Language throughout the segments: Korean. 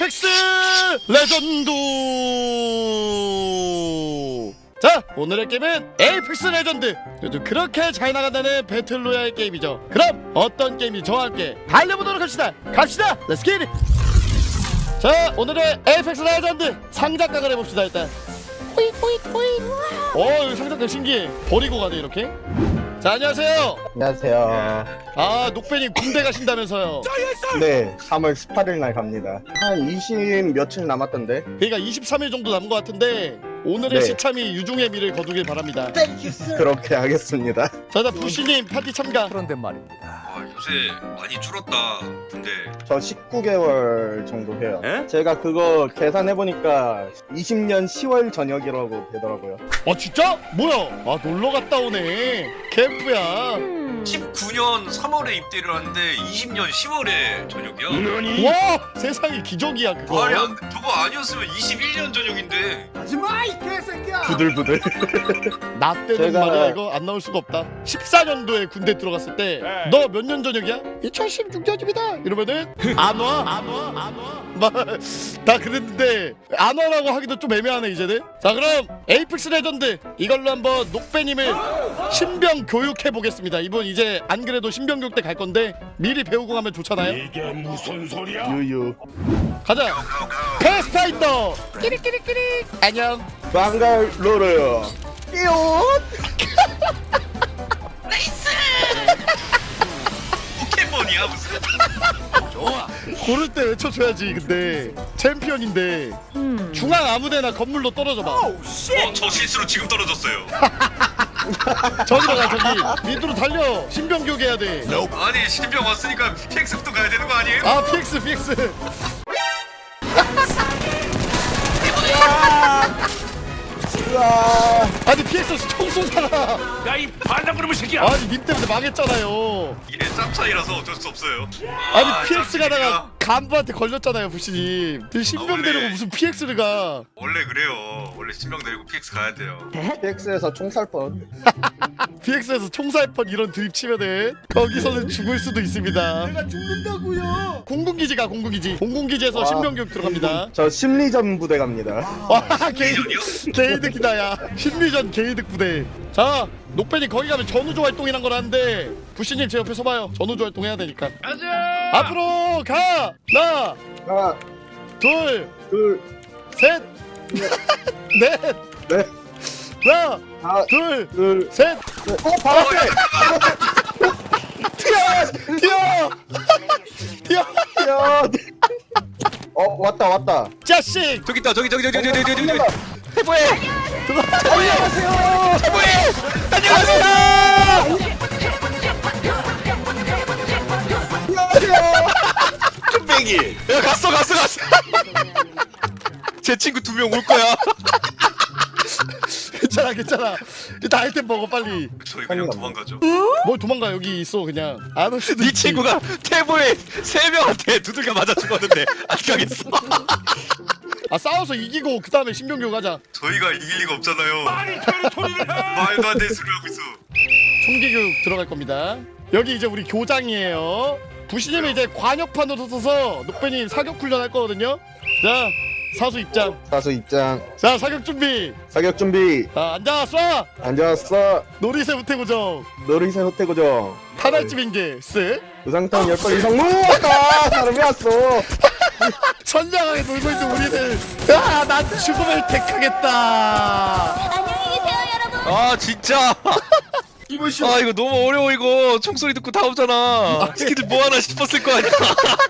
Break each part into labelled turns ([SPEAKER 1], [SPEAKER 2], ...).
[SPEAKER 1] 에이펙스 레전드. 자, 오늘의 게임은 에이펙스 레전드. 요즘 그렇게 잘 나간다는 배틀로얄 게임이죠. 그럼 어떤 게임이 저와 함께 달려보도록 합시다. 갑시다. 렛츠 기 잇. 자, 오늘의 에이펙스 레전드 상작각을 해봅시다. 일단 여기 상작각 신기해. 버리고 가네 이렇게. 자, 안녕하세요.
[SPEAKER 2] 안녕하세요.
[SPEAKER 1] 아, 녹배님 군대 가신다면서요.
[SPEAKER 2] 네, 3월 18일 날 갑니다. 한 20 며칠 남았던데.
[SPEAKER 1] 그러니까 23일 정도 남은 것 같은데 오늘의
[SPEAKER 2] 네.
[SPEAKER 1] 시참이 유종의 미를 거두길 바랍니다.
[SPEAKER 2] 그렇게 하겠습니다.
[SPEAKER 1] 자, 자, 부시님 파티 참가.
[SPEAKER 3] 그런데 말입니다.
[SPEAKER 4] 아, 요새 많이 줄었다. 근데
[SPEAKER 2] 저 19개월 정도 해요.
[SPEAKER 3] 에?
[SPEAKER 2] 제가 그거 계산해보니까 20년 10월 저녁이라고 되더라고요.
[SPEAKER 1] 진짜? 뭐야? 아, 놀러 갔다 오네. 캠프야.
[SPEAKER 4] 19년 3월에 입대를 하는데 20년 10월에 저녁이야.
[SPEAKER 1] 와, 세상에 기적이야 그거.
[SPEAKER 4] 말이 안 돼. 저거 아니었으면 21년 저녁인데.
[SPEAKER 2] 부들부들.
[SPEAKER 1] 나 때는
[SPEAKER 2] 제가-
[SPEAKER 1] 말이야 이거 안 나올 수가 없다. 14년도에 군대 들어갔을 때 너 몇 년 전역이야? 2016년입니다. 이러면은 안 와. 다 그랬는데 안 와라고 하기도 좀 애매하네 이제는. 자, 그럼 에이펙스 레전드 이걸로 한번 녹배님을 신병 교육해 보겠습니다. 이분 이제 안 그래도 신병 교육 때 갈 건데 미리 배우고 가면 좋잖아요.
[SPEAKER 5] 이게 무슨 소리야?
[SPEAKER 2] 유유.
[SPEAKER 1] 가자. 패스파인더. 끼리끼리끼리. 안녕.
[SPEAKER 2] 방갈로르. 띠용.
[SPEAKER 4] 포켓몬이야 무슨?
[SPEAKER 1] 고를 때 외쳐줘야지. 근데 챔피언인데 중앙 아무데나 건물로 떨어져봐.
[SPEAKER 4] 저 실수로 지금 떨어졌어요.
[SPEAKER 1] 저기로 가. 저기 밑으로 달려. 신병 교육해야 돼.
[SPEAKER 4] 아니 신병 왔으니까 PX부터 가야 되는 거 아니에요?
[SPEAKER 1] 아, PX.
[SPEAKER 2] 우와.
[SPEAKER 1] 아니, PX 총 쏘잖아.
[SPEAKER 5] 야이 반장그놈의 새끼야!
[SPEAKER 1] 아니, 님 때문에 망했잖아요.
[SPEAKER 4] 이게 짬 차이라서 어쩔 수 없어요.
[SPEAKER 1] 아니, PX
[SPEAKER 4] 짬차이가
[SPEAKER 1] 가다가 간부한테 걸렸잖아요, 부시님. 신병
[SPEAKER 4] 원래-
[SPEAKER 1] 데리고 무슨 PX를 가.
[SPEAKER 4] 원래 그래요. 원래 신병 데리고 PX 가야 돼요.
[SPEAKER 2] PX에서 총 살 뻔.
[SPEAKER 1] PX에서 총살펀 이런 드립 치면은 거기서는 죽을 수도 있습니다. 내가 죽는다고요. 공군기지 가. 공군기지에서
[SPEAKER 2] 와.
[SPEAKER 1] 신병 교육 들어갑니다.
[SPEAKER 2] 저 심리전 부대 갑니다.
[SPEAKER 1] 와, 게이득,
[SPEAKER 4] 심리전이요?
[SPEAKER 1] 게이득이다. 야, 심리전 게이득 부대. 자, 녹배님 거기 가면 전우조 활동이란 거라는데 부시님 제 옆에 서봐요. 전우조 활동 해야 되니까.
[SPEAKER 4] 가자.
[SPEAKER 1] 앞으로 가. 하나,
[SPEAKER 2] 하나,
[SPEAKER 1] 둘,
[SPEAKER 2] 둘,
[SPEAKER 1] 셋, 넷.
[SPEAKER 2] 넷,
[SPEAKER 1] 하나,
[SPEAKER 2] 하나,
[SPEAKER 1] 둘,
[SPEAKER 2] 둘,
[SPEAKER 1] 셋.
[SPEAKER 2] 바로 앞에!
[SPEAKER 1] 뛰어. 뛰어.
[SPEAKER 2] 야! 왔다.
[SPEAKER 1] 자식.
[SPEAKER 4] 저기 있다. 저기.
[SPEAKER 2] 해보해! 안녕하세요! 안녕하세요!
[SPEAKER 4] 쭈빼기. 야 갔어. 제 친구 2명 올 거야.
[SPEAKER 1] 괜찮아. 일단 아이템 먹어 빨리.
[SPEAKER 4] 저희 그냥 도망가죠.
[SPEAKER 1] 뭘 도망가. 여기 있어 그냥. 안 올 수도
[SPEAKER 6] 네
[SPEAKER 1] 있지.
[SPEAKER 6] 친구가 태보에 3명한테 두들겨 맞아 죽었는데 안 가겠어.
[SPEAKER 1] 아, 싸워서 이기고 그 다음에 신병교육 하자.
[SPEAKER 4] 저희가 이길 리가 없잖아요. 말도 안 되는 소리 하고 있어.
[SPEAKER 1] 총기교육 들어갈 겁니다. 여기 이제 우리 교장이에요. 부시님은 이제 관역판으로 서서 녹배님 사격 훈련 할 거거든요. 자, 사수 입장.
[SPEAKER 2] 사수 입장.
[SPEAKER 1] 자, 사격 준비.
[SPEAKER 2] 사격 준비.
[SPEAKER 1] 자, 앉아 쏴.
[SPEAKER 2] 앉았어.
[SPEAKER 1] 놀이새 우태고정.
[SPEAKER 2] 놀이새 호태고정.
[SPEAKER 1] 탄알집 인계. 쓱.
[SPEAKER 2] 우상탕 10번 이상 왔다! 사람이 왔어.
[SPEAKER 1] 선량하게 놀고 있는 우리들. 야, 난 죽음을 택하겠다.
[SPEAKER 7] 안녕히 계세요, 여러분.
[SPEAKER 6] 아 진짜. 아 이거 너무 어려워 이거. 총소리 듣고 다 오잖아. 스키들 뭐 하나 싶었을 거 아니야.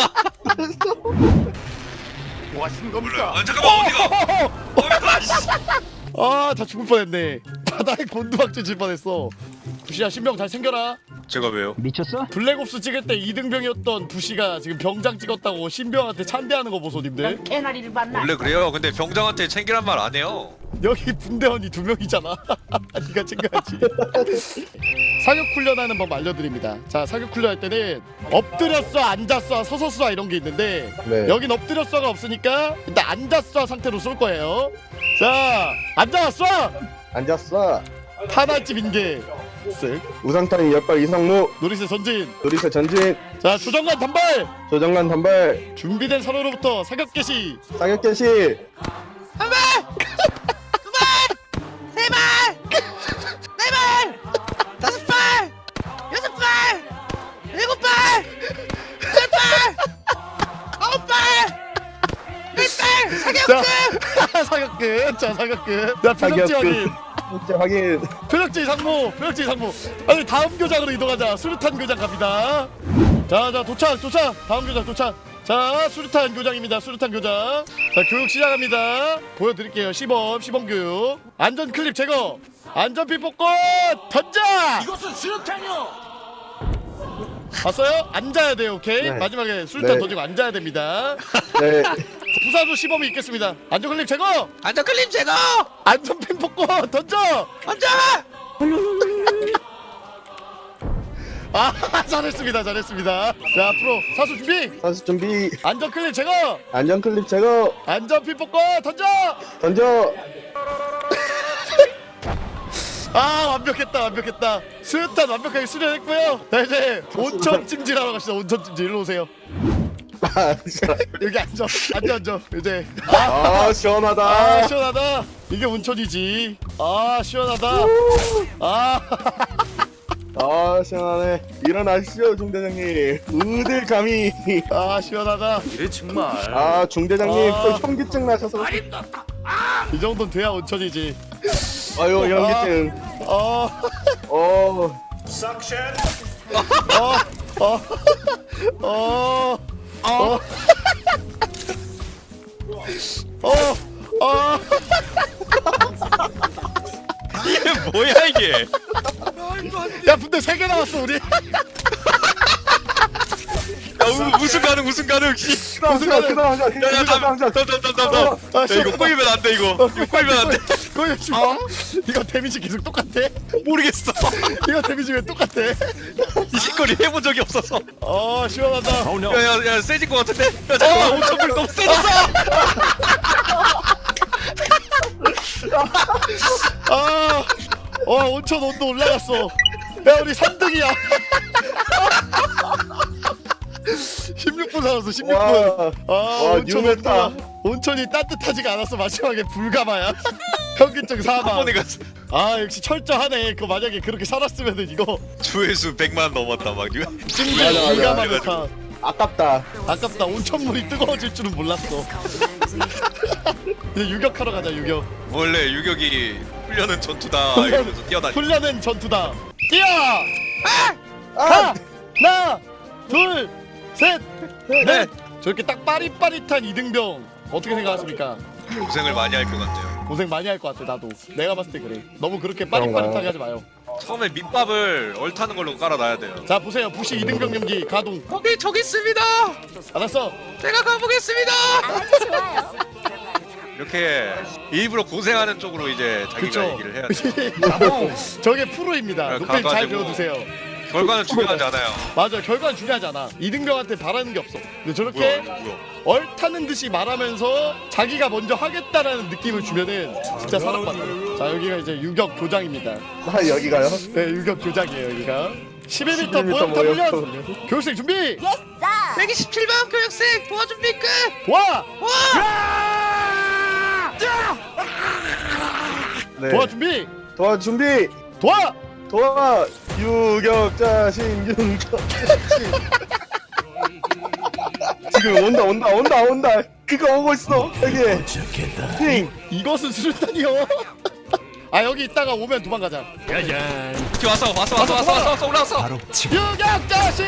[SPEAKER 5] 뭐 하시는
[SPEAKER 4] 몰라요.
[SPEAKER 5] 겁니까?
[SPEAKER 4] 아 잠깐만 어디가?
[SPEAKER 1] 아, 다 죽을 뻔했네. 바닥에 곤두박질 질 뻔했어. 부시야, 신병 잘 챙겨라.
[SPEAKER 6] 제가 왜요?
[SPEAKER 1] 블랙옵스 찍을 때 2등병이었던 부시가 지금 병장 찍었다고 신병한테 찬대하는 거 보소, 님들.
[SPEAKER 7] 개나리를 봤나?
[SPEAKER 6] 원래 그래요. 근데 병장한테 챙기란 말 안 해요.
[SPEAKER 1] 여기 분대원이 2명이잖아. 네가 챙겨야지. 사격 훈련하는 법 알려드립니다. 자, 사격 훈련할 때는 엎드려 쏴, 앉아 쏴, 서서 쏴 이런 게 있는데
[SPEAKER 2] 네.
[SPEAKER 1] 여긴 엎드려 쏴가 없으니까 일단 앉아 쏴 상태로 쏠 거예요. 자, 앉아 쏴.
[SPEAKER 2] 앉았어.
[SPEAKER 1] 탄알집 인계. 쓱.
[SPEAKER 2] 우상탕 10발 이상 무.
[SPEAKER 1] 놀이새 전진.
[SPEAKER 2] 놀이새 전진.
[SPEAKER 1] 자 조정관 단발.
[SPEAKER 2] 조정관 단발.
[SPEAKER 1] 준비된 선호로부터 사격 개시.
[SPEAKER 2] 사격 개시.
[SPEAKER 6] 한 발! 두 발! 세 발! 네 발! 다섯 발! 여섯 발! 일곱 발! 여덟 발! 아홉 발! 열 발! 사격
[SPEAKER 1] 자
[SPEAKER 6] 끝!
[SPEAKER 1] 사격 끝. 자 사격 끝. 자 표적지
[SPEAKER 2] 사격 끝.
[SPEAKER 1] 확인.
[SPEAKER 2] 진짜 확인.
[SPEAKER 1] 표적지 상무. 표적지 상무. 아니 다음 교장으로 이동하자. 수류탄 교장 갑니다. 자 도착. 다음 교장 도착. 자 수류탄 교장입니다. 수류탄 교장. 자 교육 시작합니다. 보여드릴게요. 시범 교육. 안전 클립 제거. 안전핀 뽑고 던져.
[SPEAKER 5] 이것은 수류탄이요.
[SPEAKER 1] 봤어요? 앉아야 돼요. 오케이.
[SPEAKER 2] 네.
[SPEAKER 1] 마지막에 수류탄
[SPEAKER 2] 네.
[SPEAKER 1] 던지고 앉아야 됩니다.
[SPEAKER 2] 네.
[SPEAKER 1] 부사도 시범이 있겠습니다. 안전 클립 제거.
[SPEAKER 6] 안전 클립 제거!
[SPEAKER 1] 안전핀 뽑고 던져.
[SPEAKER 6] 던져!
[SPEAKER 1] 아 잘했습니다. 자 앞으로 사수 준비.
[SPEAKER 2] 사수 준비.
[SPEAKER 1] 안전 클립 제거.
[SPEAKER 2] 안전 클립 제거.
[SPEAKER 1] 안전핀 뽑고 던져.
[SPEAKER 2] 던져.
[SPEAKER 1] 아 완벽했다. 수류탄 완벽하게 수련했고요. 자 이제 온천 찜질하러 갑시다. 온천 찜질 일로 오세요.
[SPEAKER 2] 아, 진짜.
[SPEAKER 1] 여기 앉아. 이제
[SPEAKER 2] 아, 시원하다.
[SPEAKER 1] 아 시원하다. 이게 온천이지. 아 시원하다. 아
[SPEAKER 2] 아, 시원하네. 일어나시죠, 중대장님. 어딜 감히.
[SPEAKER 1] 아 시원하다.
[SPEAKER 5] 이래 정말.
[SPEAKER 2] 아, 중대장님
[SPEAKER 1] 아.
[SPEAKER 2] 또 현기증 나셔서.
[SPEAKER 1] 이 정도는 돼야 온천이지.
[SPEAKER 2] 아유, 현기증.
[SPEAKER 1] 어.
[SPEAKER 5] 싹션.
[SPEAKER 6] 이게 뭐야 이게?
[SPEAKER 1] 야 근데 3개 나왔어 우리.
[SPEAKER 6] 우승 가능 씨.
[SPEAKER 2] 무슨
[SPEAKER 1] 가능.
[SPEAKER 2] 그다음 하자.
[SPEAKER 6] 야야
[SPEAKER 2] 그다음 하자.
[SPEAKER 6] 이거 꼬이면 안 돼 이거 꼬이면 안 돼.
[SPEAKER 1] 거기 마. 이거 데미지 계속 똑같아?
[SPEAKER 6] 모르겠어.
[SPEAKER 1] 이거 데미지 왜 똑같아?
[SPEAKER 6] 이 짓거리 해본 적이 없어서.
[SPEAKER 1] 시원하다.
[SPEAKER 5] Oh no.
[SPEAKER 6] 야야야 세진 것 같은데? 야 잠깐만 5,000불 너무 세졌어.
[SPEAKER 1] 온천 온도 올라갔어. 야 우리 3등이야. 16분 살았어 16분.
[SPEAKER 2] 와,
[SPEAKER 1] 온천
[SPEAKER 2] 뉴메타.
[SPEAKER 1] 온도가 온천이 따뜻하지가 않았어. 마지막에 불가마야. 현기증
[SPEAKER 6] 한
[SPEAKER 1] 사망.
[SPEAKER 6] 번에 갔어.
[SPEAKER 1] 아 역시 철저하네. 그 만약에 그렇게 살았으면은 이거
[SPEAKER 6] 조회수 100만 넘었다 막.
[SPEAKER 1] 찜질
[SPEAKER 2] 맞아.
[SPEAKER 1] 불가마
[SPEAKER 6] 그래가지고.
[SPEAKER 1] 메타.
[SPEAKER 2] 아깝다.
[SPEAKER 1] 아깝다. 온천물이 뜨거워질 줄은 몰랐어. 이제 유격하러 가자 유격.
[SPEAKER 6] 원래 유격이 훈련은 전투다
[SPEAKER 1] 훈련-
[SPEAKER 6] 이러면서 뛰어다니.
[SPEAKER 1] 훈련은 전투다. 뛰어!
[SPEAKER 2] 아!
[SPEAKER 1] 하나, 둘, 셋, 넷.
[SPEAKER 6] 넷.
[SPEAKER 1] 저렇게 딱 빠릿빠릿한 이등병 어떻게 생각하십니까?
[SPEAKER 6] 고생을 많이 할 것 같아요.
[SPEAKER 1] 고생 많이 할 것 같아 나도. 내가 봤을 때 그래. 너무 그렇게
[SPEAKER 2] 그런가요?
[SPEAKER 1] 빠릿빠릿하게 하지 마요.
[SPEAKER 6] 처음에 밑밥을 얼타는 걸로 깔아놔야 돼요.
[SPEAKER 1] 자 보세요. 부시 이등병 연기 가동.
[SPEAKER 6] 저기 있습니다.
[SPEAKER 1] 알았어.
[SPEAKER 6] 제가 가보겠습니다. 이렇게 일부러 고생하는 쪽으로 이제 자기가
[SPEAKER 1] 그쵸.
[SPEAKER 6] 얘기를 해야 돼.
[SPEAKER 1] 저게 프로입니다.
[SPEAKER 6] 네,
[SPEAKER 1] 높임 잘
[SPEAKER 6] 가가지고.
[SPEAKER 1] 배워두세요.
[SPEAKER 6] 결과는 중요하지 않아요.
[SPEAKER 1] 맞아. 결과는 중요하지 않아. 이등병한테 바라는 게 없어. 근데 저렇게
[SPEAKER 6] 뭐야?
[SPEAKER 1] 얼타는 듯이 말하면서 자기가 먼저 하겠다라는 느낌을 주면은 진짜 사랑받아. 자 여기가 이제 유격 교장입니다.
[SPEAKER 2] 아, 여기가요?
[SPEAKER 1] 네 유격 교장이에요 여기가. 11m
[SPEAKER 2] 11m
[SPEAKER 1] 모형탑
[SPEAKER 2] 모형탑
[SPEAKER 1] 훈련. 교육생 준비.
[SPEAKER 6] 127번 교육생 도와준비 끝.
[SPEAKER 1] 도와.
[SPEAKER 2] 네.
[SPEAKER 1] 도와 준비.
[SPEAKER 2] 도와 준비.
[SPEAKER 1] 도와.
[SPEAKER 2] 도와. 유격자신. 지금 온다. 그거 오고 있어. 여기. 핑.
[SPEAKER 1] 이것은 수류탄이요. 아 여기 있다가 오면 도망가자.
[SPEAKER 6] 왔어 올라왔어.
[SPEAKER 1] 유격자신.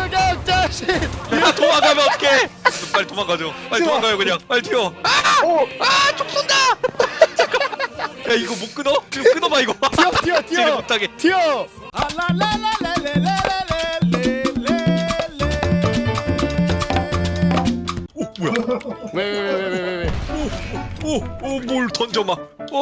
[SPEAKER 6] 야 도망가면 어떡해? 빨리 도망가죠. 빨리 도망가요 그냥. 빨리 튀어.
[SPEAKER 2] 오.
[SPEAKER 6] 총 쏜다. 야 이거 못 끊어? 지금 끊어봐 이거.
[SPEAKER 1] 뛰어.
[SPEAKER 6] 지금 못하게.
[SPEAKER 1] 튀어. 왜?
[SPEAKER 6] 뭘 던져마.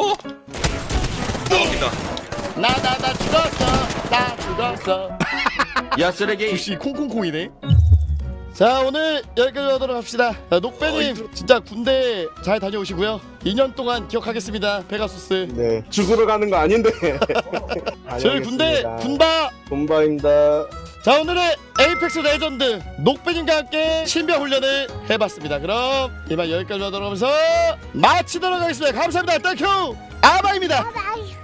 [SPEAKER 6] 나옵니다.
[SPEAKER 1] 나 죽었어.
[SPEAKER 5] 야 쓰레기.
[SPEAKER 1] 부시 콩콩콩이네. 자 오늘 여기까지 하도록 합시다. 자, 녹배님 진짜 군대 잘 다녀오시고요. 2년 동안 기억하겠습니다. 페가수스.
[SPEAKER 2] 네. 죽으러 가는 거 아닌데.
[SPEAKER 1] 저희 군대 군바.
[SPEAKER 2] 군바입니다.
[SPEAKER 1] 자 오늘의 에이펙스 레전드 녹배님과 함께 신병 훈련을 해봤습니다. 그럼 이만 여기까지 하도록 하면서 마치도록 하겠습니다. 감사합니다. 땡큐 아바입니다.